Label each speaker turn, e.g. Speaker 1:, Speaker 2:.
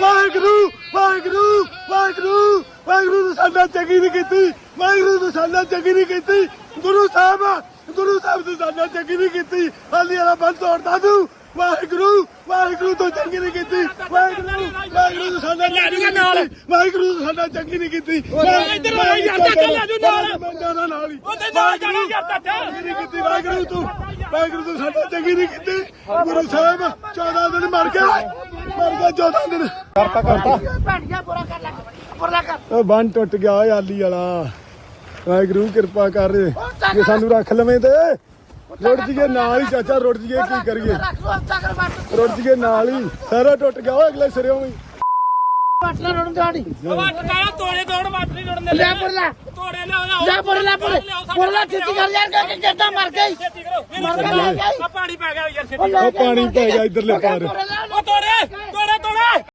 Speaker 1: ਵਾਹਿਗੁਰੂ ਵਾਹਿਗੁਰੂ ਵਾਹਿਗੁਰੂ ਵਾਹਿਗੁਰੂ ਨੇ ਸਾਡਾ ਚੰਗੀ ਨਹੀਂ ਕੀਤੀ ਵਾਹਿਗੁਰੂ ਨੇ ਸਾਡਾ ਚੰਗੀ ਨਹੀਂ ਕੀਤੀ ਗੁਰੂ ਸਾਹਿਬ ਨੇ ਸਾਡਾ ਚੰਗੀ ਨਹੀਂ ਕੀਤੀ ਹਾਲੀ ਵਾਲਾ ਬੰਦ ਤੋੜਦਾ ਤੂੰ ਵਾਹਿਗੁਰੂ ਵਾਹਿਗੁਰੂ ਤੋਂ ਚੰਗੀ ਨਹੀਂ ਕੀਤੀ ਵਾਹਿਗੁਰੂ ਨੇ ਸਾਡਾ ਵਾਹਿਗੁਰੂ ਨੇ ਸਾਡਾ ਚੰਗੀ ਨਹੀਂ ਕੀਤੀ
Speaker 2: ਇੱਧਰ ਆ ਯਾਰ ਚਾਚਾ ਲੈ ਜੂ ਨਾਲ
Speaker 1: ਮੈਂ ਜਾਣਾ ਨਾਲ ਹੀ
Speaker 2: ਉਹਦੇ ਨਾਲ ਜਾਣਾ ਯਾਰ ਚਾਚਾ
Speaker 1: ਨਹੀਂ ਕੀਤੀ ਵਾਹਿਗੁਰੂ ਤੂੰ ਸਾਡਾ ਚੰਗੀ ਨਹੀਂ ਕੀਤੀ ਗੁਰੂ ਸਾਹਿਬ 14 ਦਿਨ ਮਰ ਗਿਆ 14 ਦਿਨ ਕਰਤਾ ਉਹ ਬੰਨ ਟੁੱਟ ਗਿਆ ਓਏ ਆਲੀ ਵਾਲਾ ਵਾਹਿਗੁਰੂ ਕਿਰਪਾ ਕਰ ਜੇ ਸਾਨੂੰ ਰੱਖ ਲਵੇਂ ਤੇ ਰੁੜ ਜੀਏ ਨਾਲ ਹੀ ਚਾਚਾ ਰੁੜ ਜੀਏ ਕੀ ਕਰੀਏ ਰੁੜ ਜੀਏ ਨਾਲ ਹੀ ਸਾਰਾ ਟੁੱਟ ਗਿਆ ਓਏ ਅਗਲੇ ਸਿਰਿਓਂ ਵੀ
Speaker 2: ਵਾਟ ਤੋੜੇ ਤੋੜ ਵਾਟ ਨਹੀਂ ਤੋੜਨੇ ਲੈ ਤੋੜੇ ਲੈ ਛੇਤੀ ਕਰ ਯਾਰ ਕਿ ਕਿੱਦਾਂ ਮਰ ਗਈ ਆ ਪਾਣੀ ਪੈ ਗਿਆ ਯਾਰ ਛੇਤੀ
Speaker 1: ਉਹ ਪਾਣੀ ਪੈ ਗਿਆ ਇਧਰਲੇ ਪਾਰ
Speaker 2: ਉਹ ਤੋੜੇ